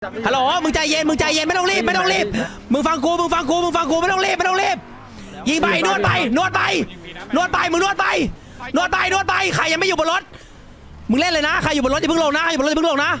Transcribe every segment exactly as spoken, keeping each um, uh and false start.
ฮัลโหลมึงใจเย็นมึงใจเย็นไม่ต้องรีบไม่ต้องรีบมึงฟังกูมึงฟังกูมึงฟังกูไม่ต้องรีบไม่ต้องรีบยิงไปนวดไปนวดไปนวดไปมึงนวดไปนวดไปนวดไปใครยังไม่อยู่บนรถมึงเล่นเลยนะใครอยู่บนรถอย่าเพิ่งลงนะอย่าบนรถอย่าเพิ่งลงนะ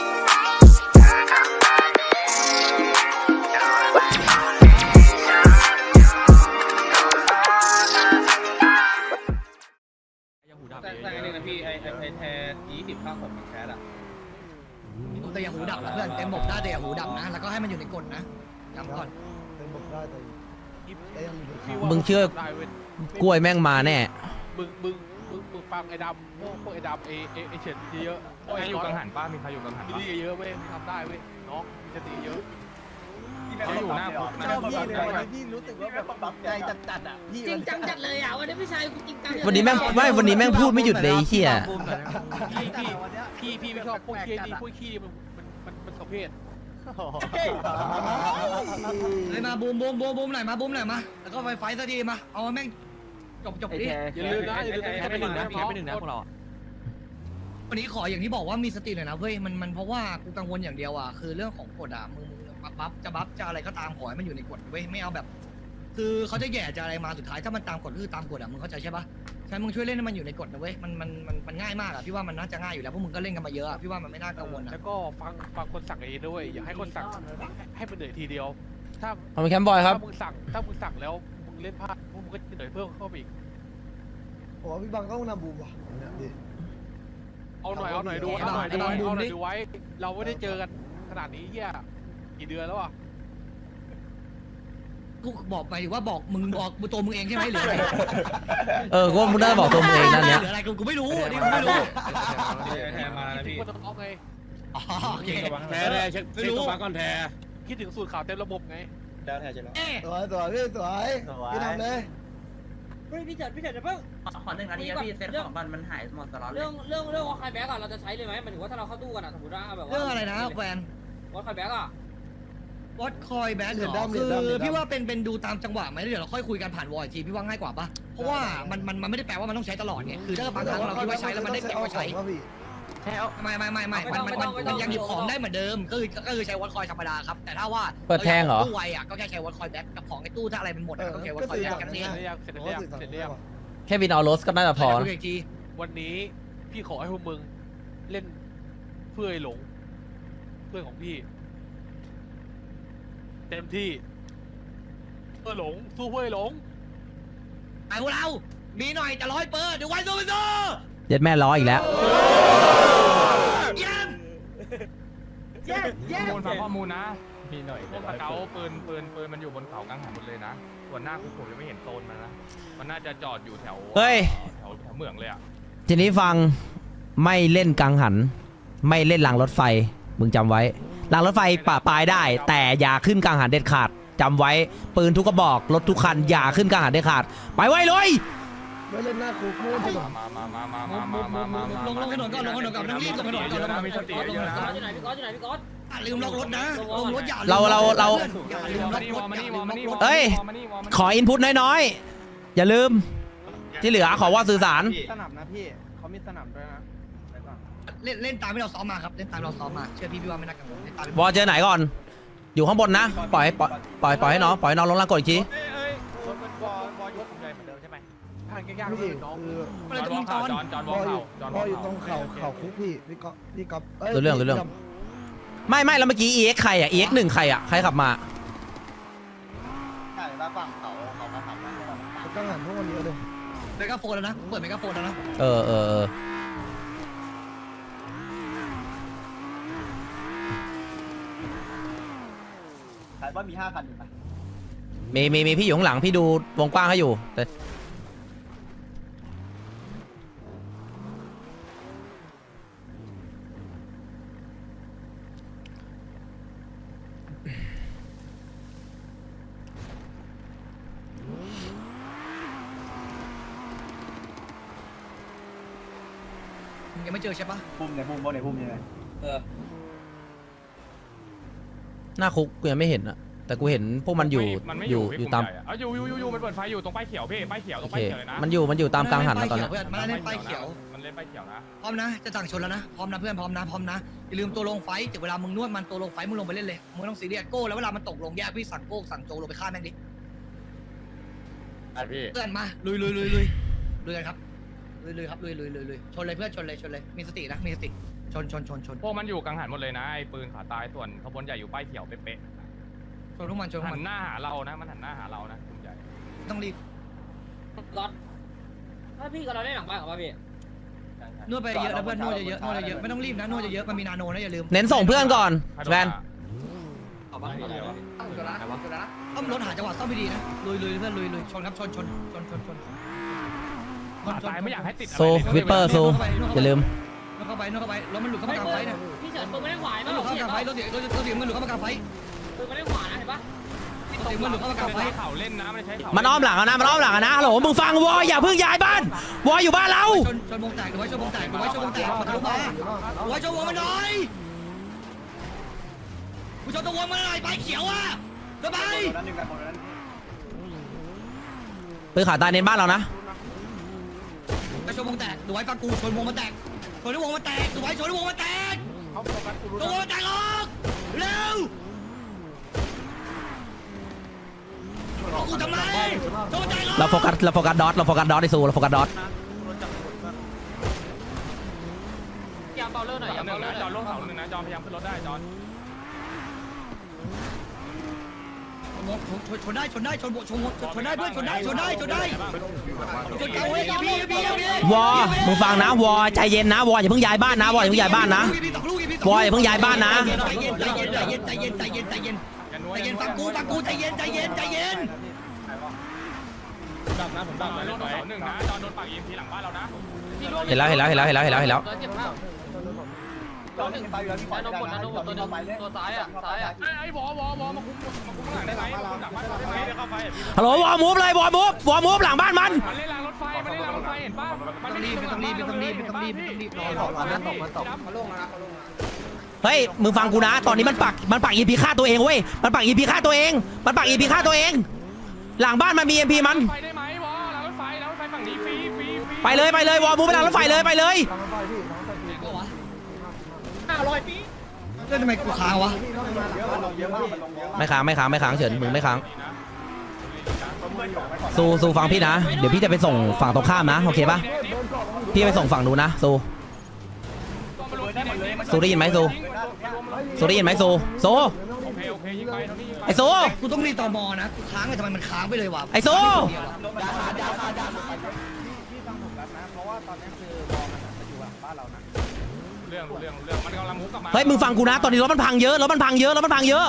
แต่แต่อันนี้นะพี่ไอไอไอแทยี่สิบข้างผมแคสอะแต่อย่าหูดับนะเพื่อนเต็มบกได้แต่อย่าหูดับนะแล้วก็ให้มันอยู่ในกฎนะย้ำก่อนเต็มบกได้แต่แต่ยังอยู่ในมึงเชื่อกล้วยแม่งมาแน่มึงมึงมึงมึงฟังไอ้ดำพวกพวกไอ้ดำเอเอไอเฉินเยอะๆใครอยู่กังหันป้ามีใครอยู่กังหันมีป้าดีเยอะเว้ยทำได้เว้ยน้องมีสติเยอะเขาอยู่หน้าคุกนะชอบพี่เลยวันนี้พี่รู้สึกว่าแบบใจจัดๆอ่ะพี่จริงจังจัดเลยอ่ะวันนี้พี่ชายกูจริงจังวันนี้แม่งไม่วันนี้แม่งพูดไม่หยุดเลยไอ้เหี้ยพี่พี่พี่พี่ไม่ชอบพวกขี้ดีพวกขี้มันมันมันมันประเภทเลยมาบูมบูมบูมบูมหน่อยมาบูมหน่อยมาแล้วก็ไฟไฟสักทีมาเอาแม่งจบจบดิอย่าลืมนะอย่าลืมแค่ไปหนึ่งนะพี่แค่ไปหนึ่งนะพวกเราวันนี้ขออย่างที่บอกว่ามีสติหน่อยนะเว้ยมันมันเพราะว่ากูกังวลอย่างเดียวอ่ะคือเรื่องของกฎอ่ะมึงมึงบัฟจะบัฟจะอะไรก็ตามขอให้มันอยู่ในกฎเว้ยไม่เอาแบบ คือเขาจะแย่จะอะไรมาสุดท้ายถ้ามันตามกฎคือตามกฎอ่ะมึงเข้าใจใช่ปะใช่มึงช่วยเล่นให้มันอยู่ในกฎนะเว้ยมันมันมันมันง่ายมากอ่ะพี่ว่ามันน่าจะง่ายอยู่แล้วพวกมึงก็เล่นกันมาเยอะพี่ว่ามันไม่น่ากังวลอ่ะแล้วก็ฟังฟังคนสั่งเองด้วยอย่าให้คนสั่งให้มันเหนื่อยทีเดียวถ้าเอาไปแคมป์บอยครับถ้ามึงสั่งถ้ามึงสั่งแล้วมึงเล่นพลาดมึงก็เหนื่อยเพิ่มเข้าไปอีกผมว่าพี่บังก็ต้องนำบูมว่ะเนี่ยดิเอาหน่อยเอาหน่อยดูเอาหน่อยดูไว้เอาหน่อยดูไว้เราไม่ได้เจอกันขนาดนี้เฮียกี่เดือนแล้วอ่ะกูบอกไปว่าบอกมึงบอกตัวมึงเองใช่ไหมหรืออะไรเออกูว่ามึงได้บอกตัวมึงเองนั่นเนี้ยหรืออะไรกูกูไม่รู้นี่กูไม่รู้แทนมาแล้วพี่ก็ต้องเอาไงอ๋อโอเคแทนแทนเช็คเช็คตัวมาก่อนแทนคิดถึงสูตรข่าวเต็มระบบไงแล้วแทนจะรอเอ๊ะสวยสวยพี่สวยพี่ทำเลยเฮ้ยพี่เฉิดพี่เฉิดจะเพิ่งขอหนึ่งนาทีพี่เซ็ตของมันมันหายหมดตลอดเลยเรื่องเรื่องเรื่องวอลคายแบ็กอะเราจะใช้เลยไหมหมายถึงว่าถ้าเราเข้าตู้กันอะสมมติว่าแบบว่าเรื่องอะไรนะแฟนวอลคายแบ็กอะวอตคอยแบ็คเหรอคือพี่ว่าเป็นเป็นดูตามจังหวะไหมเดี๋ยวเราค่อยคุยกันผ่านวอลอีกทีพี่ว่าง่ายกว่าปะเพราะว่ามันมันมันไม่ได้แปลว่ามันต้องใช้ตลอดไงคือถ้าบางครั้งเราคิดว่าใช้แล้วมันได้เก็บไว้ใช้ไม่ไม่ไม่ไม่มันมันมันยังหยิบของได้เหมือนเดิมก็คือก็คือใช้วอตคอยธรรมดาครับแต่ถ้าว่าตู้ไวอะก็แค่ใช้วอตคอยแบ็คกับของในตู้ถ้าอะไรมันหมดก็ใช้วอตคอยแบ็คกันเองเสร็จแล้วเสร็จแล้วเสร็จแล้วแค่บินเอารถก็น่าจะพอคุยอีกทีวันนี้พี่ขอให้พวกมึงเล่นเพื่อไอ้หลงเพื่อนของพี่เต็มที่เพื่อหลงสู้เพื่อไอ้หลงไอ้พวกเรามีหน่อยจะร้อยเปอร์เดี๋ยวไว้สู้ไปสู้เย็ดแม่ล้ออีกแล้วเยี่ยมเยี่ยมเยี่ยข้อมมูลฟังข้อมูลนะมีหน่อยพวกสเกลปืนปืนปืนมันอยู่บนเขากังหันหมดเลยนะส่วนหน้าคุกผมยังไม่เห็นโซนมันนะมันน่าจะจอดอยู่แถวเฮ้ยแถวแถวเหมืองเลยอ่ะทีนี้ฟังไม่เล่นกังหัน ไม่เล่นรางรถไฟมึงจำไว้รางรถไฟป่าปลายได้ แต่อย่าขึ้นกังหันเด็ดขาดจำไว้ปืนทุกกระบอกรถทุกคันอย่าขึ้นกังหันเด็ดขาดไปไว้เลยไม่เล่นหน้าคุกไม่เล่นถนนมามามามามามามามามาลงลงถนนก่อนลงถนนก่อนต้องรีบลงถนนก่อนลงถนนมีสติก่อนลงเยถอะนนนะก่อนอยู่ไหนพี่ก๊อตอยู่ไหนพี่ก๊อตอย่าลืมล็อกรถนะลงรถอย่าเราเราเราอย่าลืมล็มาอกนี่รวถอมานี่วอมานี่เอ้ย ขออินพุตน้อยๆอย่าลืมที่เหลือขอว่าสื่อสารสนับนะพี่เขามีสนับด้วยนะเล่นเล่นตามที่เราซ้อมมาครับเล่นตามเราซ้อมมาเชื่อพี่พี่ว่าไม่น่ากังวลเล่นตามวอเจอไหนก่อน อยู่ข้างบนนะปล่อยปล่อยปล่อยปล่อยให้น้องปล่อยให้น้องลงล่างกดอีกทีเอ้ยเอ้ยรถมันบอลบอลยกใหญ่เหมือนเดิมใช่ไหมทางยากๆพี่เลยน้องคืออะไรจจะอนมึงวจออนจอนจอนวพ่อออเข่ายู่จอนวพ่อออยู่ตรงเข่าเข่าเข่าคุกพี่พี่ก๊อฟพี่ก๊อฟรู้เรื่องรู้เรื่องไม่ไม่แล้วเมื่อกี้ อี เอ็กซ์ ใครอ่ะ อี เอ็กซ์ หนึ่งใครอ่ะใครขับมาใช่แล้วฝั่งเขาเขามาทำเขาต้องหันพวกมันเยอะเลยเมกาโฟนแล้วนะเปิดเมกาโฟนแล้วนะเออเออเออขายว่ามีห้าคันอยู่ปะมีมีมีพี่อยู่ข้างหลังพี่ดูวงกว้างให้อยู่แต่ยังไม่เจอใช่ปะพุ่มไหนพุ่มบนไหนพุ่มยังไงหน้าคุกกูยังไม่เห็นอ่ะแต่กูเห็นพวกมันอยู่มันไม่ออยู่ยู่พี่อยู่กลุ่มตามใหญ่อะอยู่อยู่อยู่อยู่มันเปิดไฟอยู่ตรงป้ายเขียวพี่ป้ายเขียวตโอรงเคป้ายเขียวเลยนะมันอยู่มันอยู่ตามกลางหันนะตอนเนี้ยมันเล่นป้ายเขียวมันเล่นป้ายเขียวนะพร้อมนะจะสั่งชนแล้วนะพร้อมนะเพื่อนพร้อมนะพร้อมนะเอย่าลืมตัวลงไฟถึงเวลามึงนวดมันตัวลงไฟมึงลงไปเล่นเลยมึงไม่ต้องซีเรียสโก้แล้วเวลามันตกลงแยกพี่สั่งโก้สั่งโจลงไปฆ่าแม่งดิไอพี่เพื่อนมาลุยลุยลุยลุยลุยกันครับลุยลุยครับลุยลุยลุยลุยชนเลยเพื่อนชนเลยชนเลยมีสตินะมีสติชนชนชนชนพวกมันอยู่กังหันหมดเลยนะไอ้ปืนขาตายส่วนขบวนใหญ่อยู่ป้ายเขียวเป๊ะชนทุกมันชนๆทุกหัมันนหน้าหาเรานะมันหันหน้าหาเรานะกลุ่มใหญ่ต้องรีบรถถ้าพี่กับเราได้หลังบ้านกับป่ะพี่นวดไปเยอะนะเพื่อนนวดเยอะๆนวดเยอะๆไม่ต้องรีบนะนวดเยอะๆมันมีนาโนนะอย่าลืมเน้นส่งเพื่อนก่อนแวนเอาบ้านอะไรวะต้อมรถหาจังหวะซ่อมดีๆนะลุยลุยเพื่อนลุยลุยชนครับชนชนชนชนชนขาตายไม่อยากให้ติดอะไรโซวิปเปอร์โซอย่าลืมนวดเข้าไปนวดเข้าไปรถมันหลุดเข้ามากลางไฟเนี่ยพี่เฉินปืนไม่ได้ขวายมัมั้นงหลุดเข้าพี่มากลางไฟเห็นปะรถเสียรถรถเสียมันหลุดเข้ามากลางไฟปืนไม่ได้ขวายนะเห็นปะรถเสียมันหลุดเข้ามากลางไฟใช้เข่าเล่นนะไม่ได้ใช้เข่ามันอ้อมหลังอะนะมันอ้อมหลังอะนะฮัลโหลมึงฟังวออย่าเพิ่งย้ายบ้านวออยู่บ้านเราชนชนวงแตกดูไว้ชนวงแตกดูไว้ชนวงแตกมาทะลุมาดูไว้ชนวงมันหน่อยกูชนตัววงมันหน่อยไปเขียวอ่ะสบายนั้นหนึ่งกันหมดนั้นปืนขาตายเน้นบ้านเรานะไปชนวงแตกดูไว้ฟังกูชนวงมันแตกชนวงมันแตกดูไว้ชนวงมันแตกเขาโฟกัสกูรู้ตัววงมันแตกออกเร็วกูทำไมตัวมันแตกออกเราโฟกัสเราโฟกัสดอทเราโฟกัสดอทไอซูเราโฟกัสดอทยามเบาเลอร์หน่อยจยาอมหนึ่เบาง เลอนะร์จอลงเสาหนึ่งนะจอพยายามขึ้นรถได้จอนชนชนได้ชนได้ชนชนชนได้เพื่อนชนได้ชนได้ชนได้ชนเก่าเว้ยพี่พี่พี่วอมึงฟังนะวอใจเย็นนะวออย่าเพิ่งย้ายบ้านนะวออย่าเพิ่งย้ายบ้านนะวออย่าเพิ่งย้ายบ้านนะใจเย็นใจเย็นใจเย็นใจเย็นใจเย็นใจเย็นอย่านัวใจเย็นฟังกูฟังกูใจเย็นใจเย็นใจเย็นดับนะผมดับนะลงเสาหนึ่งนะจอนโดนปากยิงทีหลังบ้านเรานะเห็นแล้วเห็นแล้วเห็นแล้วเห็นแล้วเห็นแล้วเห็นแล้วเจ็บมากเราหนึ่งไปอยู่แล้วพี่นาโนกดนาโนกดตัวนึงตัวซ้ายอ่ะซ้ายอ่ะไอ้ไอ้วอวอวอมาคุมมาคุมข้างหลังได้ไหมคุมหลังบ้านเราได้ไหมเดี๋ยวเข้าไปฮัลโหลวอมูฟเลยวอมูฟวอมูฟหลังบ้านมันมันเล่นรางรถไฟมันเล่นรางรถไฟเห็นป่ะมันต้องรีบไม่ต้องรีบไม่ต้องรีบไม่ต้องรีบไม่ต้องรีบรอรอรอนะตกมาตกเฮ้ยมึงฟังกูนะ ตอนนี้มันปักมันปักอีพีฆ่าตัวเองเว้ยมันปักอีพีฆ่าตัวเองมันปักอีพีฆ่าตัวเอง หลังบ้านมันมีเอ็มพีมันไฟได้ไหมวอรางรถไฟรางรถไฟฝั่งนี้ฟรีฟรีฟรีไปเลยไปเลยวอมูฟไปหลังรถไฟเลยไปเลยห้าร้อยปีเล่นทำไมกูค้างวะเยอะมันลงเยอะมากมันลงเยอะไม่ค้างไม่ค้างไม่ค้างเฉินมึงไม่ค้างซูซูฟังพี่นะเดี๋ยวพี่จะไปส่งฝั่งตรงข้ามนะโอเคปะพี่ไปส่งฝั่งนู้นนะซูซูได้ยินไหมซูซูได้ยินไหมซูซูโอเคโอเคยิงไปเท่านี้ยิงไปไอซูกูต้องรีบต่อมอนะกูค้างเลยทำไมมันค้างไปเลยวะไอซูพี่ฟังผมแล้วนะเพราะว่าตอนนี้คือวอลมันอยู่หลังบ้านเรานะเรื่องเรื่องเรื่องมันกำลังมุกกลับมาเฮ้ยมึงฟังกูนะตอนนี้รถมันพังเยอะรถมันพังเยอะรถมันพังเยอะ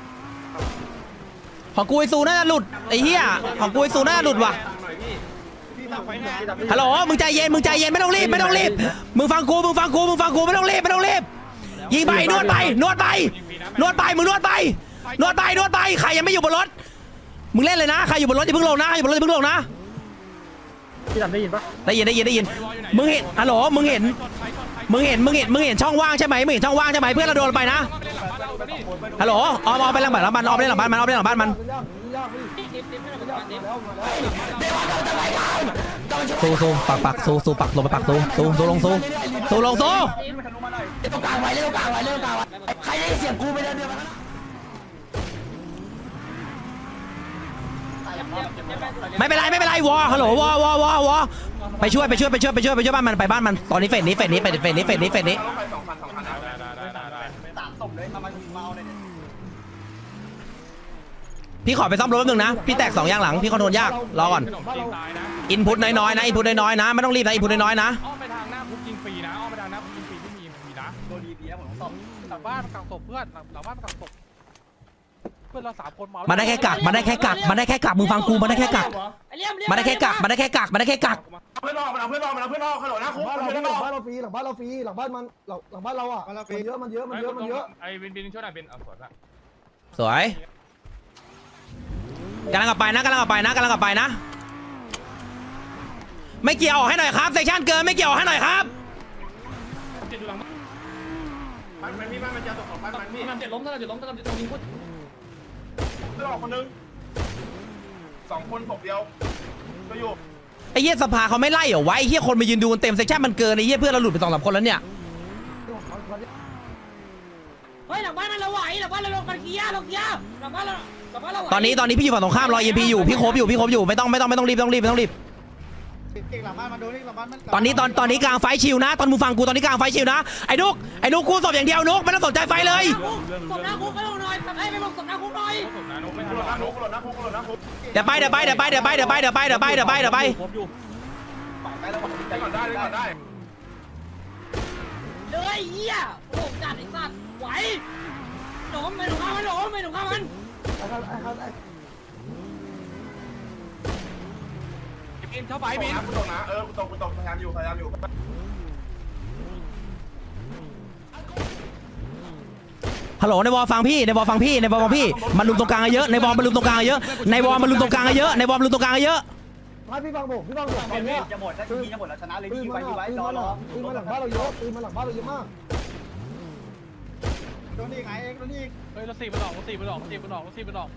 ของกูไอซูน่าจะหลุดไอ้เหี้ยของกูไอซูน่าจะหลุดว่ะพี่ฟังไฟแห้งฮัลโหลมึงใจเย็นมึงใจเย็นไม่ต้องรีบไม่ต้องรีบมึงฟังกูมึงฟังกูมึงฟังกูไม่ต้องรีบไม่ต้องรีบยิงไปนวดไปนวดไปนวดไปมึงนวดไปนวดไปนวดไปใครยังไม่อยู่บนรถมึงเล่นเลยนะใครอยู่บนรถอย่าเพิ่งลงนะอย่าบนรถอย่าเพิ่งลงนะพี่ดำได้ยินปะได้ยินได้ยินได้ยินมึงเห็นฮัลโหลมึงเห็นมึงเห็นมึงเห็นมึงเห็นช่องว่างใช่ไหมมึงเห็นช่องว่างใช่ไหมเพื่อนเราโดนไปนะฮัลโหลออมออมไปหลังบ้านมันออมไปหลังบ้านมันออมไปหลังบ้านมันดิฟดิฟให้เราเป็นการดิฟซูซูปักปักซูซูปักลงไปปักซูซูซูลงซูซูลงซูมันทะลุมาหน่อยตรงกลางไว้เล่นตรงกลางไว้เล่นตรงกลางไว้ใครได้เสียงกูไปเดินเดียวกันไม่เป็นไรไม่เป็นไรวอฮัลโหลวอวอวอวอไปช่วยไปช่วยไปช่วยไปช่วยไปช่วยบ้านมันไปบ้านมันตอนนี้เฟสนี้เฟสนี้เฟสเฟสนี้เฟสนี้เฟสนี้สองพันสองพันได้ได้ได้ได้สามศพเลยมามายิงเมาเลยเนี่ยพี่ขอไปซ่อมรถแป๊บนึงนะพี่แตกสองอย่างหลังพี่คอนโทรลยากรอก่อนขนมจีนตายนะอินพุตน้อยๆนะอินพุตน้อยๆนะไม่ต้องรีบนะอินพุตน้อยๆนะอ้อมไปทางหน้าคุกยิงฟรีนะอ้อมไปทางหน้าคุกยิงฟรีที่มีมีนะโดนดีพีแล้วผมต้องหลังบ้านกักศพเพื่อนหลังหลังบ้านกักศพเพื่อนเราสามคนเมามันได้แค่กักมันได้แค่กักมันได้แค่กักมึงฟังกูมันได้แค่กักไอ้เลี่ยมเลี่ยมมันได้แค่กักมันได้แค่กักมันได้แค่กักเพื่อนนอกมันเอาเพื่อนนอกมันเอาเพื่อนนอกขนมนะคุกบ้านเราเพื่อนหนลัอกงบ้านเราฟรีหลังบ้านเราฟรีหลังบ้านมันหลังหลังบ้านเราอ่ะมันเยอะมันเยอะมันเยอะมันเยอะไอ้บินบินช่วยหน่อยบินเอาสวนละสวยกำลังกลับไปนะกำลังกลับไปนะกำลังกลับไปนะไม่เกี่ยวให้หน่อยครับเซสชั่นเกินไม่เกี่ยวให้หน่อยครับจิตดูหลังบ้านมันมันมีบ้านมันจะตกของบ้านมันมีมันเจ็ดล้มถ้าเราเจ็ดล้มถ้าเราเจ็ดล้มยิงพุทธเพื่อนออกคนนึงสองคนศพเดียวก็อยู่ไอ้เหี้ยสภาเขาไม่ไล่เหรอวะไอ้เหี้ยคนมายืนดูกันเต็มเซสชั่นมันเกินไอ้เหี้ยเพื่อนเราหลุดไปสองสามคนแล้วเนี่ยฮ้ยหลังบ้านมันเราไหวหลังบ้านเราลงกันเกียร์ลงเกียร์หลังบ้านเราหลังบ้านเราไหวตอนนี้ตอนนี้พี่อยู่ฝั่งตรงข้ามรอเอ็มพีอยู่พี่โคบอยู่พี่โคบอยู่ไม่ต้องไม่ต้องไม่ต้องรีบไม่ต้องรีบไม่ต้องรีบเก่งหลังบ้านมาดูนี่หลังบ้านมันตอนนี้ตอนตอนนี้กลางไฟชิวนะตอนมึงฟังกูตอนนี้กลางไฟชิวนะไอ้นุกไอ้นุกกูสอบอย่างเดียวนุกไม่ต้องสนใจไฟเลยสมน้ำคุกไปลงหน่อยไอ้ไปลงสมน้ำคุกหน่อยผมนะนุ๊กไม่กูทันหหรลอกดนะคุกกูหลดนะคุกกูหลดนะคุกเดี๋ยวไปเดี๋ยวไปเดี๋ยวไปเดี๋ยวไปเดี๋ยวไปเดี๋ยวไปเดี๋ยวไปเดี๋ยวไปเดี๋ยวไปเดี๋ยวไปไปแล้วได้ก่อนได้ได้ก่อนได้เลยเหี้ยโอ้จัดไอ้สัตว์ไหวหลงไม่หลงข้ามันหลงไม่หลงข้ามันไอ้ครับไอ้ครับไอ้บินเข้าไปไปบินนะกูตกนะเออกูตกกูตกพยายามอยู่พยายามอยู่ฮัลโหลในวอลฟังพี่ในวอลฟังพี่ในวอลฟังพี่มันลุมตรงกลางเยอะในวอลมันลุมตรงกลางเยอะในวอลมันลุมตรงกลางเยอะในวอลมันลุมตรงกลางเยอะไม่พี่ฟังผมพี่ฟังผมตอนเนี้ยจะหมดแล้วทีจะหมดแล้วชนะเลยปืนยิงมาไว้ยิงไว้ปืนรอมารอปืนมาหลังบ้านเราเยอะปืนมาหลังบ้านเราเยอะมากโดนนี่ไงเองโดนนี่เฮ้ยรถสี่มันออกรถสี่มันออกรถสี่มันออกรถสี่มันออก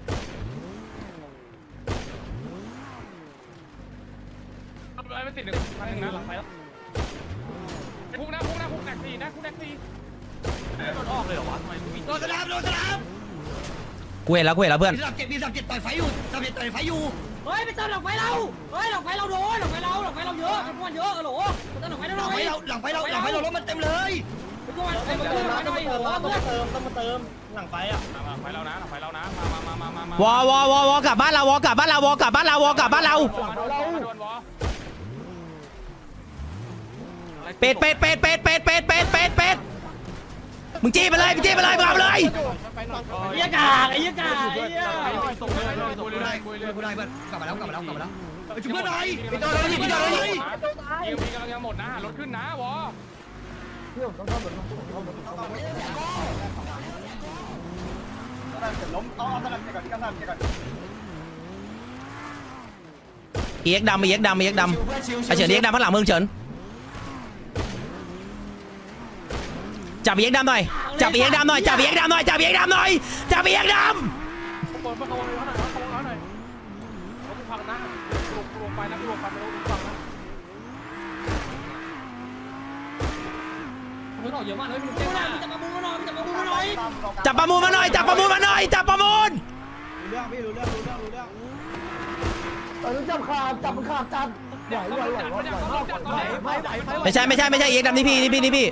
ไอ้ไม่ติดหนึ่งพันหนึ่งนะหลังไฟแล้วคุกนะคุกนะคุกแท็กซี่นะคุกแท็กซี่โดนออกเลยเหรอวะทำไมมึงโดนสนามโดนสนามกูเห็นแล้วกูเห็นแล้วเพื่อนมีสับเจ็ดมีสับเจ็ดต่อยไฟอยู่สับเจ็ดต่อยไฟอยู่เฮ้ยไปเติมหลังไฟเราเฮ้ยหลังไฟเราโดนหลังไฟเราหลังไฟเราเยอะจำนวนเยอะเออโหลเติมหลังไฟเราหหลัน่งอยไฟเราหลังไฟเราหลังไฟเรารถมันเต็มเลยไปช่วยไปเติมหลังไฟหน่อยโหเพื่อนหลังไฟเรานะหลังไฟเรานะมามามามามาวอวอวอวอกลับบ้านเราวอกลับบ้านเราวอกลับบ้านเราวอกลับบ้านเราโดนวอเป็ดเป็ดเป็ดเป็ดเป็ดเป็ดเป็ดเป็ดเป็ดมึงจี้ไปเลยมึงจี้ไปเลยมึงเอาไปเลยไอ้ยากากไอ้ยากากไอ้ยาส่งเลยคุยกูเลได้ยกูคุยเลได้ยกูได้เพื่อนกลับมาแล้วกลับมาแล้วกลับมาแล้วไปจุ๊บเพื่อนหน่อยพี่โดนเลยพี่โดนเลยยิงพี่กำลังจะหมดนะรถขึ้นนะวอพี่ผมต้องเข้าแบบต้องเข้าแบบต้องเข้าแบบล้มเอาเอาสลับก่อนที่กำลังก่อนเอ็กดำเอ็กดำเอ็กดำไอเฉินเอ็กดำข้างหลังมึงเฉินจับเอ็กดำหน่อยจับเอ็กดำหน่อยจับเอ็กดำหน่อยจับเอ็กดำหน่อยจับเอ็กดขบวนมาขบวนเลยเขาหน่อยขบวนเขาหน่อยรถพังนะลงลงไปนะลงไปไม่ต้องฟังนะมึงออกเยอะมากเลยมึงเจ๊งมากมึงจะมาบูมาหน่อยมึงจะมาบูมาหน่อยำจับประมูลมาหน่อยจับประมูลมาหน่อยจับประมูลรู้เรื่องพี่รู้เรื่องรู้เรื่องรู้เรื่องตอนนี้จับขาดจับมันขาดจัดไหวไหวไหวไหวไหวไหวไหวไหวไหวไม่ใช่ไม่ใช่ไม่ใช่เอ็กดำนี่พี่นี่พี่นี่พี่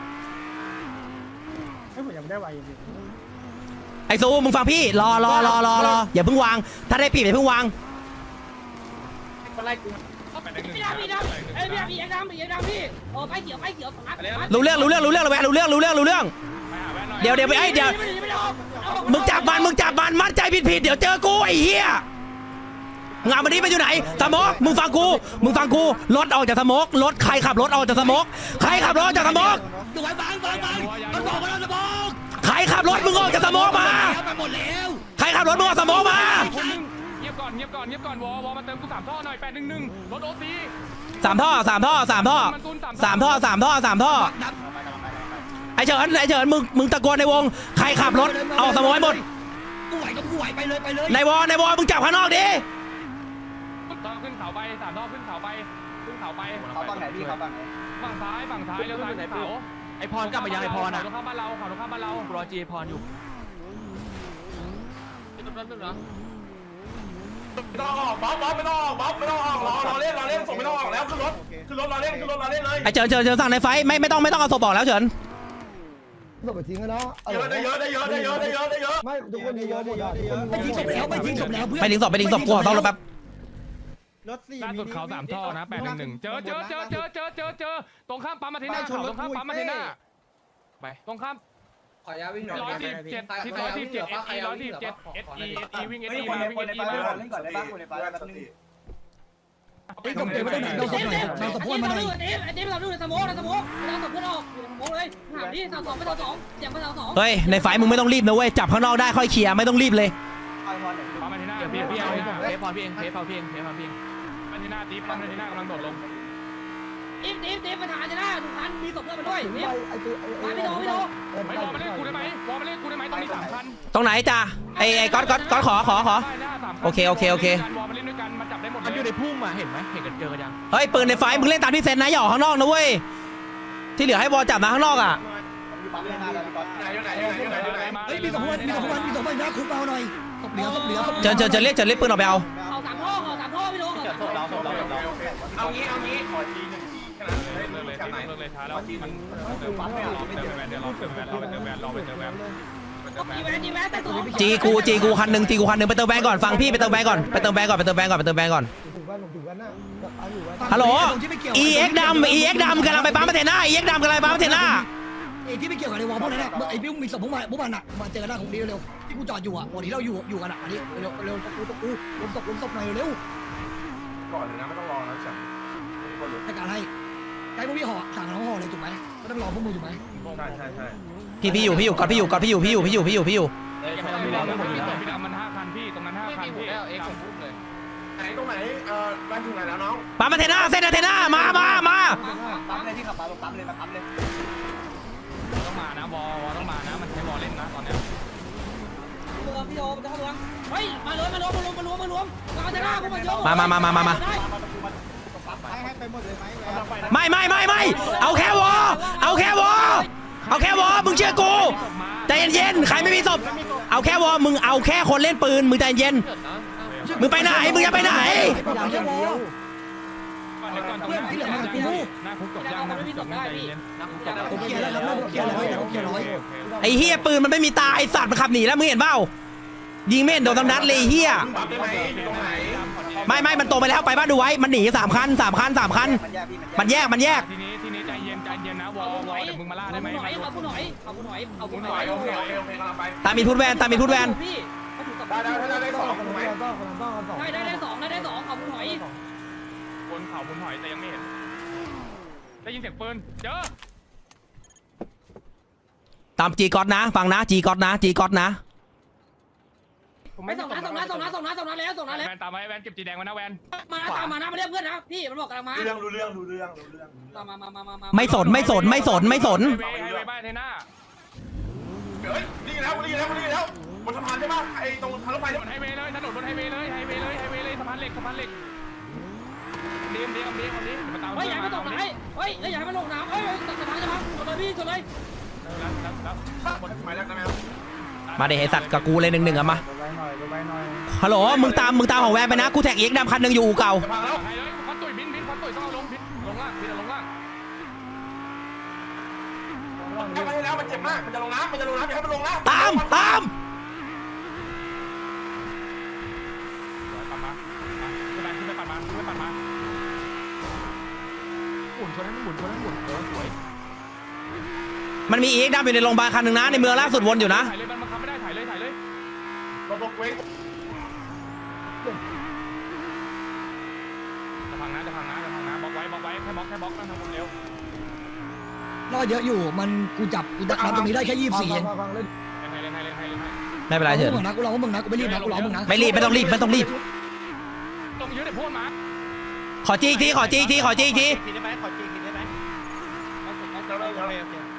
ให้ผมยังไม่ได้ไหวจริงไอซูมึงฟังพี่รอรอรอรอรออย่าเพิ่งวางถ้าได้ปีบอย่าเพิ่งวางพี่ดำพี่ดำไอ้พี่ดำพี่เอ็กดำพี่เอ็กดำพี่โอ้ไปเขียวไปเขียวสามรู้เรื่องรู้เรื่องรู้เรื่องแวะรู้เรื่องรู้เรื่องรู้เรื่องเดี๋ยวเดี๋ยวไปไอ้เดี๋ยวมึงจับมันมึงจับมันมัดใจผิดผิดเดี๋ยวเจอกูไอ้เหี้ยงานวันนี้มันอยู่ไหนสมกมึงฟังกูมึงฟังกูรถออกจากสมกรถใครขับรถออกจากสมกใครขับรถจากสมกดูไว้บังบังบังมันบอกว่าเราจะบอกใครขับรถมึงออกจากสมกมาไปหมดแล้วใครขับรถมึงออกสมกมาเงียบก่อนเงียบก่อนเงียบก่อนวอวอมาเติมกูสามท่อหน่อยแปดหนึ่งหนึ่งรถโอซีสามท่อสามท่อสามท่อสามท่อสามท่อสามท่อไอเฉินไอเฉินมึงมึงตะโกนในวงใครขับรถออกสมกให้หมดกูไหวก็กูไหวไปเลยไปเลยในวอในวอมึงจับข้างนอกดิต้องขึ้นเขาไปสามท่อขึ้นเขาไปขึ้นเขาไปเขาบ้างไหนพี่เขาบ้างไหนฝั่งซ้ายฝั่งซ้ายเลี้ยวซ้ายขึ้นเขาไอพรกลับมายังไอพรอ่ะเขาบ้านเราเขาเข้าบ้านเรารอจีพรอยู่ไม่ต้องออกบ๊อบบ๊อบไม่ต้องออกบ๊อบไม่ต้องออกรอรอเล่นรอเล่นส่งไม่ต้องออกแล้วขึ้นรถขึ้นรถรอเล่นขึ้นรถรอเล่นเลยไอเฉินเฉินเฉินสั่งในไฟไม่ไม่ต้องไม่ต้องเอาศพออกแล้วเฉินๆต้องไปทิ้งกันเนาะเยอะได้เยอะได้เยอะได้เยอะได้เยอะได้เยอะไม่ทุกคนดีเยอะหมดอ่ะทุกคนไม่ทิ้งศพแล้วไม่ทิ้งศพแล้วเพื่อนไปทิ้งศพไปทิ้งศพกูขอต้องรถแป๊บรถสี่ล่าสุดเขาสามท่อนะแปดหนึ่งหนึ่งเจอเจอเจอเจอเจอเจอเจอตรงข้ามปั๊มมาเทน่าตรงข้ามปั๊มมาเทน่าไปตรงข้ามขอยาวิ่งหน่อยร้อยสิบเจ็ดที่ร้อยสิบเจ็ดเอสอีร้อยสิบเจ็ดเอสอีเอสอีวิ่งเอสเฮ้ยอีคนในวิ่งคเอน สในอีไฟมาเล่นก่อนได้ป่ะคนในไฟแป๊บนึงไอ้ศพเก็บไว้ตรงไหนเราศพหน่อยเราศพพวกมันหน่อยไอ้เดฟไอ้เดฟเราดูในสมองในสมองเราศพเพื่อนออกอยู่ในสมองเลยหาดิสามสองไปสามสองเสียงไปสามสองเฮ้ยในไฟมึงไม่ต้องรีบนะเว้ยจับข้างนอกได้ค่อยเคลียร์ไม่ต้องรีบเลยไฟพอหนึ่งปั๊มมาเทน่าพี่พี่เพพอพี่เองเพพอพี่เองเพพอพี่เองมาเทน่าตีปั๊มมาเทน่ากำลังโดดลงเดฟเดฟเดฟมาหาจะได้ทุกคันมีศพเพื่อนมาด้วยไปเดฟไอ้ตัวไอ้มาไม่โดนไม่โดนไม่วอลมาเล่นกูได้ไหมวอลมาเล่นกูได้ไหมตรงนี้สามคันตรงไหนจ้ะไอ้ไอ้ก๊อตก๊อตก๊อตขอขอขอ โอเคโอเคโอเควอลมาเล่นด้วยกันมันจับได้หมดเลยมันอยู่ในพุ่มอ่ะเห็นไหมเห็นกันเจอกันยังเฮ้ยปืนในไฟมึงเล่นตามที่เซนนะอย่าออกข้างนอกนะเว้ยที่เหลือให้บอลจับนะข้างนอกอ่ะผปั๊มไม่มาแล้วพี่ก๊อตไหนอยู่ไหนอยู่ไหนอยู่ไหนอยู่ไหนเฮ้ยมีสองวันมีสองวันมีสองวันนะคุกเอาหน่อยศพเหลือศพเหลือศพเชิญเชิญเชิญเรียกเชิญเรียกปืนออกไปเอาเอาสามท่อเอาสามท่อพี่โดเอาสามท่อเราเราเราเอางี้เอางี้ขอทีหนึ่งทีแค่นั้นเลยเลิกเลยจากไหนเลิกเลยช้าแล้วขอทีหมันึ่นงเติมแวนเดี๋ยวรอเติมแวนเดี๋ยวรอเติมแวนรอไปเติมแวนรอไปเติมแวนจีแวนจีแวนแต่ตัวจีกูจีกูคันหนึ่งจีกูคันหนึ่งไปเติมแวนก่อนฟังพี่ไปเติมแวนก่อนไปเติมแวนก่อนไปเติมแวนก่อนไปเติมแวนก่อนถึงวันถึงวันน่ะเอาอยู่วันฮัลโหล อีเอ็กดำอีเอ็กดำกำลังไปปั๊มมาเทน่าอีเอ็กดำกำลังไปปั๊มมาเทน่าไอ้ที่ไม่เกี่ยวกับในวอลพวกนั้นอะไอ้บิ้วมีศพพวกมันพวกมันอะมาเจอกันหน้าของนี้เร็วที่กูจอดอยู่อะวันที่เราอยู่อยู่กันอะอันนี้เร็วเร็วกูตกกูล้มศพล้มศพหน่อยเร็วก่อนเลยนะไม่ต้องรอนะฉันให้การให้ไอ้พวกพี่ห่อสั่งน้องห่อเลยถูกไหมไม่ต้องรอพวกมึงถูกไหมใช่ใช่ใช่พี่พี่อยู่พี่อยู่ก่อนพี่อยู่ก่อนพี่อยู่พี่อยู่พี่อยู่พี่อยู่พี่อยู่พี่ดำพี่ดำมันห้าคันพี่ตรงนั้นห้าคันพี่เอ็กซ์พูดเลยไหนตรงไหนเอ่อบ้านถึงไหนแล้วน้องปั๊มมาเทน่าเส้นเทน่ามามามาปั๊มเลยที่ขับปั๊มปั๊มเลยมาปั๊มเลยต้องมานะวอวอต้องมานะมันใช้วอเล่นนะตอนเนี้ยเมืองพี่โดจะเข้าเมืองเฮ้ยมารวมมารวมมารวมมารวมมารวมมาจะหน้าพวกมันโยกมามามามามามาให้ให้ไปหมดเลยไหมไม่ไม่ไม่ไม่เอาแค่วอเอาแค่วอเอาแค่วอมึงเชื่อกูใจเย็นๆใครไม่มีศพเอาแค่วอมึงเอาแค่คนเล่นปืนมึงใจเย็นมึงไปไหนมึงจะไปไหนเอาแค่วอก่อนก่อนตรงนี้หน้าคุกจบยังนะจบยังใจเย็นหน้าคุกจบผมเคลียร์แล้วครับผมเคลียร์แล้วผมเคลียร์ร้อยไอ้เฮียปืนมันไม่มีตาไอ้สัตว์มันขับหนีแล้วมึงเห็นเปล่ายิงไม่เห็นโดนทั้งนัดเลยเฮียปั๊มได้ไหมอยู่ตรงไหนไม่ไม่มันโตไปแล้วไปบ้านดูไว้มันหนีสามคันสามคันสามคันมันแยกพี่มันแยกมันแยกทีนี้ทีนี้ใจเย็นใจเย็นนะวอวอเดี๋ยวมึงมาล่าได้เอาไหมผู้หน่อยเอาผู้หน่อยเอาผู้หน่อยเอาคุผู้ณหหน่น่ออย ยโอเคโอเคโอเคกำลังไปตามมีพูดแวนตามมีพูดแวนพี่เขาถูกกับได้ได้ได้ได้สองถูกไหมต้องคนต้องคนสองได้ได้ได้สองได้ได้สองเอาผู้หน่อยบนเขาบนหอยแต่ยังไม่เห็นได้ยินเสียงปืนเจอตามจีก๊อตนะฟังนะจีก๊อตนะจีก๊อตนะไปส่งนะส่งนะส่งนะส่งนะส่งนะแล้วส่งนะแล้วแวนตามไว้แวนเก็บจีแดงไว้นะแวนมาตามมานะมาเรียกเพื่อนนะพี่มันบอกกำลังมารู้เรื่องรู้เรื่องรู้เรื่องรู้เรื่องตามมามามามามาไม่สนไม่สนไม่สนไม่สนไฮเวย์บ้านเทน่าเฮ้ยนี่แล้วนี่แล้วนี่แล้วบนสะพานใช่ปะไอ้ตรงทางรถไฟถนนไฮเวย์เลยถนนบนไฮเวย์เลยไฮเวย์เลยไฮเวย์เลยสะพานเหล็กสะพานเหล็กเดียมเดียมเดียมเดียมมาตามเฮ้ยอย่าให้มันตกน้ำเฮ้ยเฮ้ยอย่าให้มันลงน้ำเฮ้ยตัดสะพานจะพังสุดเลยพี่สุดเลยแล้วแล้วแล้วหมายเลขได้ไหมครับมาเดี๋ยวไอ้สัตว์กับกูเลยหนึ่งหนึ่งอะมาไปหน่อยไปหน่อยฮัลโหลมึงตามมึงตามของแวนไปนะกูแท็กเอ็กดำคันหนึ่งอยู่อู่เก่าจะพังแล้วไฮเลยคอนตุยบินบินคอนตุยต้องเอาลงบินลงล่างบินลงล่างแค่ไปแล้วมันเจ็บมากมันจะลงน้ำมันจะลงน้ำอย่าให้มันลงน้ำตามตามปั่นมาขึ้นไปขึ้นไปปั่นมาขึ้นไปปั่นมาหมุนชนให้มันหมุนชนให้มันหมุนเออสวยมันมีเอ็กดำอยู่ในโรงพยาบาลคันหนึ่งนะในเมืองล่าสุดวนอยู่นะถ่ายเลยมันบังคับไม่ได้ถ่ายเลยถ่ายเลยลงลงเว้ยจะพังนะจะพังนะจะพังนะบล็อกไว้บล็อกไว้แค่บล็อกแค่บล็อกนั่งทำคนเร็วรอดเยอะอยู่มันกูจับกูจับตรงนี้ได้แค่ยี่สิบสี่เองฟังเล่นให้เล่นให้เล่นให้เล่นให้ไม่เป็นไรเถกูอะมึงนะกูรอมึงนะกูไม่รีบนะกูรอมึงนะไม่รีบไม่ต้องรีบไม่ต้องรีบตรงยืดเดี๋ยวพูดมาขอจีอีกทีขอจีอีกทีขอจีอีกทีกินได้ไหมขอจีกินได้ไหมเราเราเรา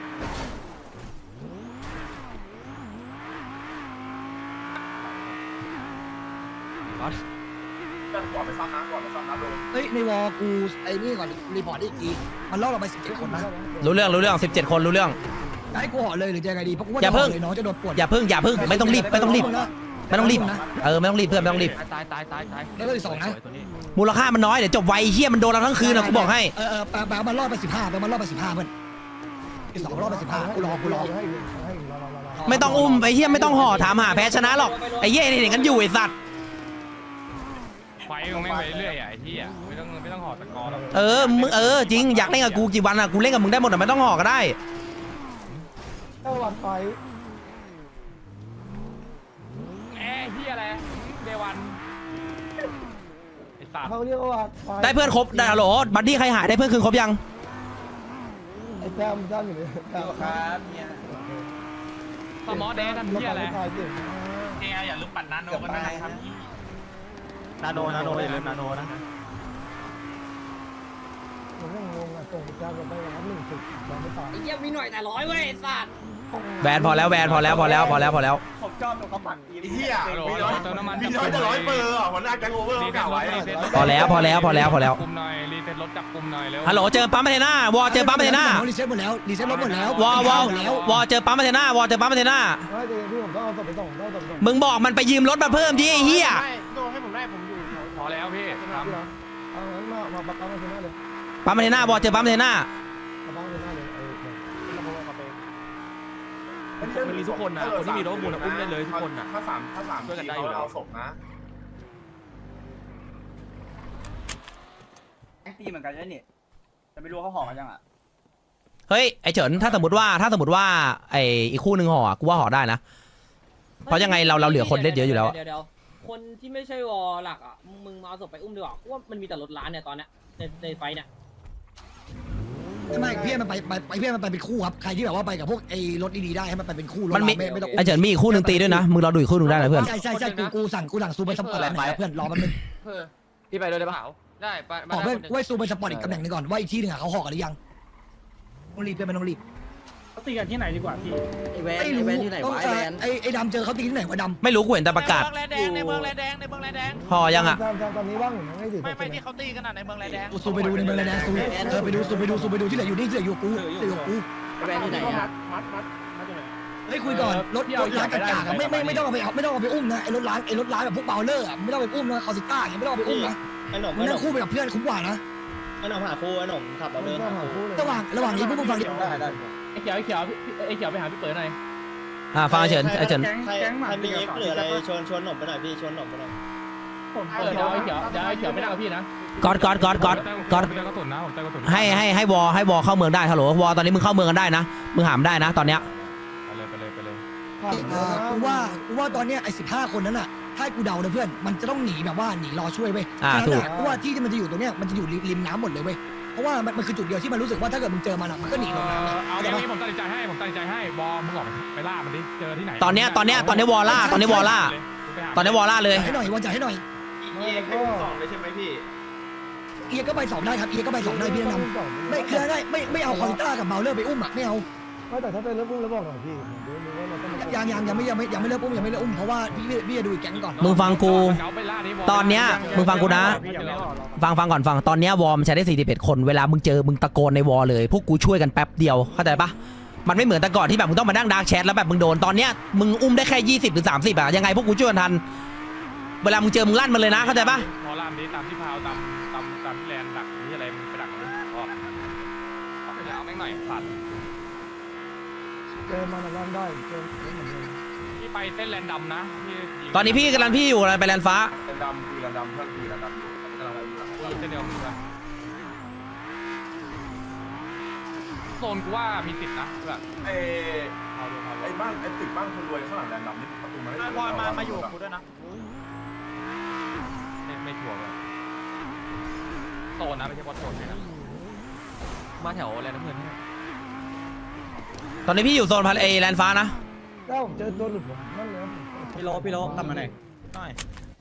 ก่อนไปซ้ำน้ำก่อนไปซ้ำน้ำโดนเฮ้ยในวอลกูไอ้นี่ก่อนรีพอร์ตอีกทีมันล่อเราไปสิบเจ็ดคนนะรู้เรื่องรู้เรื่องสิบเจ็ดคนรู้เรื่องให้กูห่อเลยหรือจะยังไงดีเพราะกูว่าอย่าเพิ่งเลยน้องจะโดนปวดอย่าพึ่งอย่าพึ่งไม่ต้องรีบไม่ต้องรีบนะไม่ต้องรีบเออไม่ต้องรีบเพื่อนไม่ต้องรีบตายตายตายตายแล้วก็อีกสองนะมูลค่ามันน้อยเดี๋ยวจบไวเฮียมันโดนเราทั้งคืนนะกูบอกให้เออเออแปลแปลมันรอดไปสิบห้าแปลมันรอดไปสิบห้าเพื่อนอีกสองรอดไปสิบห้ากูรอกูรอให้ให้รอรอรอไม่ต้องอุ้มไอ้เฮียไม่ต้องห่อถามหาแพ้ชนะหรอกไอ้เฮียนี่เห็นกันอยู่ไอ้สัตว์ไฟมึงแม่งไปเรื่อยอ่ะไอ้ที่อ่ะไม่ต้องไม่ต้องห่อตะกอหรอกเออมึงเออจริงอยากเล่นกับกูกี่วันอะกูเล่นกับมึงได้หมดอะไม่ต้องห่อก็ได้เจ้าวันไฟแอร์ที่อะไรเดวันไอ้สัตว์เขาเรียกว่าไฟได้เพื่อนครบได้ฮัลโหลบัดดี้ใครหายได้เพื่อนคืนครบยังไอ้แซมแซมอยู่เลยครับเนี่ยสมอแดงทำที่อะไรไฟเก่งเฮียอย่าลืมปั่นนาโนเกือบกันตานะยครับนาโนนาโนอย่าลืมนาโนนะผมยังงงอ่ะส่งแซมไปรับหนึ่งสิบยังไม่ตายไอ้เหี้ยมีหน่อยแต่ร้อยเว้ยสัตว์แวนพอแล้วแวนพอแล้วพอแล้วพอแล้วพอแล้วผมชอบตรงเขาปักทีไอ้เหี้ยมีร้อยมีร้อยจะร้อยเปอร์อ่ะหัวหน้าแก๊งโอเวอร์เขากล่าวไว้พอแล้วพอแล้วพอแล้วพอแล้วกลุ่มหน่อยรีเซ็ตรถจับกลุ่มหน่อยเร็วฮัลโหลเจอปั๊มมาเทน่าวอเจอปั๊มมาเทน่ารีเซ็ตหมดแล้วรีเซ็ตรถหมดแล้ววอวอหมดแล้ววอเจอปั๊มมาเทน่าวอเจอปั๊มมาเทน่าไม่เดี๋ยวพี่ผมต้องเอาศพไปส่งต้องเอาศพไปส่งมึงบอกมันไปยืมรถมาเพิ่มที่ไอ้เหี้ยโดนให้ผมได้ผมอยู่พอแล้วพี่ทำพี่นะเอางั้นมามาปักปั๊มมาชนะเลยปั๊มมาเทน่าวอเจอปั๊มมาเทน่าปักปั๊มมาชนะเลยเออมันมีทุกคนนะคนที่มีรถมูลอุ้มได้เลยทุกคนนะถ้าสามถ้าสามช่วยกันได้อยู่แล้วเอาศพนะแอคตีเหมือนกันใช่นี่แต่ไม่รู้เขาห่อกันยังอ่ะเฮ้ยไอ้เฉินถ้าสมมติว่าถ้าสมมติว่าไอ้อีกคู่หนึ่งห่ออะกูว่าห่อได้นะ เพราะยังไงเราเราเหลือคนเล่นเยอะอยู่แล้วอะเดี๋ยวเดี๋ยวคนที่ไม่ใช่วอหลักอ่ะมึงมาเอาศพไปอุ้มดีกว่าเพราะว่ามันมีแต่รถล้านเนี่ยตอนเนี้ยในในไฟเนี่ยไม่พี่มันไปไปไปพี่มันไปเป็นคู่ครับใครที่แบบว่าไปกับพวกไอ้รถดีๆได้ให้มันไปเป็นคู่รถมันมีไม่ไม่ต้องไอ้เฉินมีอีกคู่หนึ่งตีด้วยนะมึงรอดูอีกคู่หนึ่งได้นะเพื่อนใช่ใช่ใช่กูกูสั่งกูสั่งซูไปสปอร์ตไหนเพื่อนรอมันนึงพี่ไปด้วยได้ปะได้ไปบอกเพื่อนไว้ซูไปสปอร์ตอีกตำแหน่งนึงก่อนว่าอีกที่หนึ่งเขาห่อกันหรือยังต้องรีบเพื่อนไม่ต้องรีบเขาตีกันที่ไหนดีกว่าพี่ไอ้แวนไอ้แวนที่ไหนวะไอ้แวนไอ้ไอ้ดำเจอเขาตีที่ไหนวะดำไม่รู้กูเห็นแต่ประกาศในเมืองแรแดงในเมืองแรแดงในเมืองแรแดงห่อยังอะแซมแซมตอนนี้ว่างอยู่นะไม่ถึงไม่ไม่ที่เขาตีกันอ่ะในเมืองแรแดงกูซูไปดูในเมืองเลยนะซูเออไปดูซูไปดูซูไปดูที่เหลืออยู่นี่ที่เหลืออยู่กูที่เหลืออยู่กูแวนที่ไหนอ่ะมัดมัดมัดยังไงเฮ้ยคุยก่อนรถรถล้างกากๆไม่ไม่ไม่ต้องเอาไปไม่ต้องเอาไปอุ้มนะไอ้รถล้างไอ้รถล้างแบบพวกเบลเลอร์ไม่ต้องไปอุ้มนะคอสิต้าอย่างไม่ต้องเอาไปอุ้มนะไอ้หนุ่มมันนั่งคู่ไปกับเพื่อนคุ้มกว่านะไอ้หนุ่มหาคู่ไอ้หนุ่มขับเราเดินต้องหาหาคู่คู่เลยระหว่างระหว่างนี้พวกมึงฟังดิได้ได้ไอ้เขียวไอ้เขียวไอ้เขียวไปหาพี่เปิดหน่อยอ่าฟังไอ้เฉินไอ้เฉินใครใครมีเอ็กซ์หรืออะไรชวนชวนหนุ่มไปหน่อยพี่ชวนหนุ่มไปหน่อยเดี๋ยวไอ้เขียวเดี๋ยวไอ้เขียวไม่ได้กับพี่นะก๊อตก๊อตก๊อตก๊อตก๊อตผมเติมกระสุนนะผมเติมกระสุนให้ให้ให้วอให้วอเข้าเมืองได้ฮัลโหลวอตอนนี้มึงเข้าเมืองกันได้นะมึงหามได้นะตอนเนี้ยไปเลยไปเลยไปเลยผ่านเออกูว่ากูว่าตอนเนี้ยไอ้สิบห้าคนนั้นอ่ะถ้าให้กูเดานะเพื่อนมันจะต้องหนีแบบว่าหนีรอช่วยเว้ยอ่าถูกเพราะว่าที่ที่มันจะอยู่ตรงเนี้ยมันจะอยู่ริมน้ำหมดเลยเว้ยเพราะว่ามันมันคือจุดเดียวที่มันรู้สึกว่าถ้าเกิดมึงเจอมันอ่ะมันก็หนีลงน้ำเอาเข้าใจอย่างปะนี้ผมตัดสินใจให้ผมตัดสินใจให้บอมึงออกไปล่ามันดิเจอที่ไหนตอนเนี้ยตอนเนี้ยตอนนี้วอล่าตอนนี้วอล่าตอนนี้วอล่าเลยจ่ายให้หน่อยวอนจ่ายให้หน่อยเอ็กซ์สองเลยใช่ไหมพี่เอียก็ไปสองได้ครับเอียก็ไปสองได้พี่แนะนำไม่คือได้ไม่ไม่เอาคอริต้ากับเบลเลอร์ไปอุ้มอ่ะไม่เอาไม่แต่ถ้าเป็นรถพุ่งแล้วบอกหน่อยพี่ผมดูดูว่าเราต้องมายังยังยังไม่ยังไม่ยังไม่เลิกอุ้มยังไม่เลิกอุ้มเพราะว่าพี่พี่พี่จะดูอีกแก๊งก่อนมึงฟังกู ตอนเนี้ยมึงฟังกูนะ ฟังฟังก่อนฟังตอนเนี้ยวอร์มนใช้ได้สี่สิบเอ็ดคนเวลามึงเจอมึงตะโกนในวอลเลยพวกกูช่วยกันแป๊บเดียวเข้าใจปะมันไม่เหมือนแต่ก่อนที่แบบมึงต้องมานั่งดาร์กแชทแล้วแบบมึงโดนตอนเนี้ยมึงอุ้มได้แค่ยี่สิบหรือสามสิบอะยังไงพวกกูช่วยกันทันเวลามึงเจอมึงลั่นมันเลยนะเข้าใจปะพอล่ามนี้ตามที่พาวตามตามตามที่แลนดักที่อะไรมึงไปดักเลยออกออกไปแล้วแม่งหน่อยผ่านเจอมันลั่นได้เจอเหมือนเดิมพี่ไปเส้นแลนดำนะพี่ตอนนี้พี่กำลังพี่อยู่อะไรไปแลนฟ้าแลนดำคือแลนดำถ้าคือแลนดำอยู่กำลังไปอยู่เส้นเดียวมึงอะโซนกูว่ามีสิทธิ์นะแบบไอ้ไอ้บ้านไอ้ตึกบ้านคนรวยข้างหลังแลนดำนี่ประตูมันพอมามาอยู่กับกูด้วยนะไม่ไม่ชัวร์เลยโซนนะไม่ใช่บอลโซนเลยนะมาแถวแลนด์น้ำเงินนี่ตอนนี้พี่อยู่โซนพันเอแลนฟ้านะถ้าผมเจอตัวหลุดผมนั่นเลยพี่โลพี่โลกลับมาหน่อยหน่อย